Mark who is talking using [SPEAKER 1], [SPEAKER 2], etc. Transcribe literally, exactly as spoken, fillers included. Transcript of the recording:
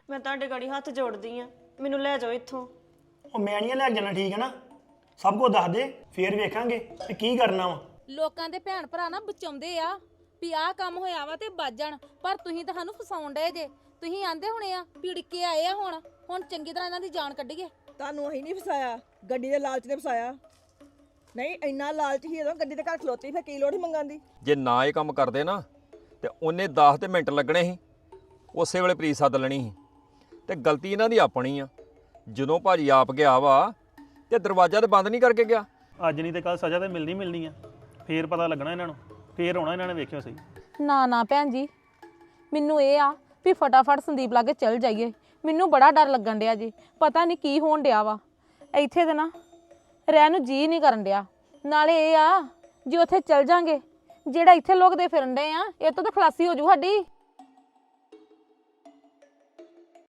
[SPEAKER 1] ਮੈਂ ਤੁਹਾਡੇ ਗਾੜੀ ਹੱਥ ਜੋੜਦੀ ਆ, ਮੈਨੂੰ ਲੈ ਜਾਓ ਇੱਥੋਂ।
[SPEAKER 2] ਉਹ ਮੈਂ ਨਹੀਂ ਲੈ ਕੇ ਜਾਣਾ, ਠੀਕ ਹੈ ਨਾ? ਸਭ ਕੁਝ ਦੱਸ ਦੇ, ਫੇਰ ਵੇਖਾਂਗੇ ਕਿ ਕੀ ਕਰਨਾ ਵਾ।
[SPEAKER 3] ਲੋਕਾਂ ਦੇ ਭੈਣ ਭਰਾ ਨਾ ਬਚਾਉਂਦੇ ਆ ਵੀ ਆਹ ਕੰਮ ਹੋਇਆ ਵਾ ਤੇ ਬਚ ਜਾਣ, ਪਰ ਤੁਸੀਂ ਤਾਂ ਸਾਨੂੰ ਫਸਾਉਣ ਡਏ ਜੇ। ਤੁਸੀਂ ਆਂਦੇ ਹੋਣੇ ਆ ਪੀੜ ਕੇ ਆਏ ਆ, ਹੁਣ ਹੁਣ ਚੰਗੀ ਤਰ੍ਹਾਂ ਇਹਨਾਂ ਦੀ ਜਾਨ ਕੱਢੀਏ।
[SPEAKER 4] ਤੁਹਾਨੂੰ ਅਸੀਂ ਨਹੀਂ ਫਸਾਇਆ, ਗੱਡੀ ਦੇ ਲਾਲਚ ਨੇ ਫਸਾਇਆ। ਨਹੀਂ ਇੰਨਾ ਲਾਲਚ ਹੀ ਜਦੋਂ ਗੱਡੀ ਦੇ ਘਰ ਖਲੋਤੀ, ਫਿਰ ਕੀ ਲੋੜ ਹੀ ਮੰਗਣ ਦੀ।
[SPEAKER 5] ਜੇ ਨਾ ਇਹ ਕੰਮ ਕਰਦੇ ਨਾ ਤੇ ਉਹਨੇ ਦਸ ਤੇ ਮਿੰਟ ਲੱਗਣੇ ਸੀ, ਉਸੇ ਵੇਲੇ ਪ੍ਰੀਤ ਸੱਦ ਲੈਣੀ ਸੀ। ਤੇ ਗਲਤੀ ਇਹਨਾਂ ਦੀ ਆਪਣੀ ਆ, ਜਦੋਂ ਭਾਜੀ ਆਪ ਗਿਆ ਵਾ ਤੇ ਦਰਵਾਜ਼ਾ ਤੇ ਬੰਦ ਨਹੀਂ ਕਰਕੇ ਗਿਆ।
[SPEAKER 6] ਅੱਜ ਨਹੀਂ ਤੇ ਕੱਲ ਸਜ਼ਾ ਤੇ ਮਿਲਣੀ ਮਿਲਣੀ ਆ, ਫੇਰ ਪਤਾ ਲੱਗਣਾ ਇਹਨਾਂ ਨੂੰ, ਫੇਰ ਆਉਣਾ ਇਹਨਾਂ ਨੇ, ਵੇਖਿਓ ਸਹੀ।
[SPEAKER 3] ਨਾ ਨਾ ਭੈਣ ਜੀ, ਮੈਨੂੰ ਇਹ ਆ ਵੀ ਫਟਾਫਟ ਸੰਦੀਪ ਲਾਗੇ ਚੱਲ ਜਾਈਏ। ਮੈਨੂੰ ਬੜਾ ਡਰ ਲੱਗਣ ਡਿਆ ਜੀ, ਪਤਾ ਨਹੀਂ ਕੀ ਹੋਣ ਡਿਆ ਵਾ ਇੱਥੇ ਤੇ ਨਾ ਰਹਿਣ ਨੂੰ ਜੀ ਨਹੀਂ ਕਰਨ ਡਿਆ। ਨਾਲੇ ਇਹ ਆ ਜੇ ਉੱਥੇ ਚੱਲ ਜਾਂਗੇ, ਜਿਹੜਾ ਇੱਥੇ ਲੋਕ ਦੇ ਫਿਰਨ ਡਏ ਆ, ਇਹ ਤੋਂ ਤਾਂ ਖਲਾਸੀ ਹੋ ਜੂ ਸਾਡੀ।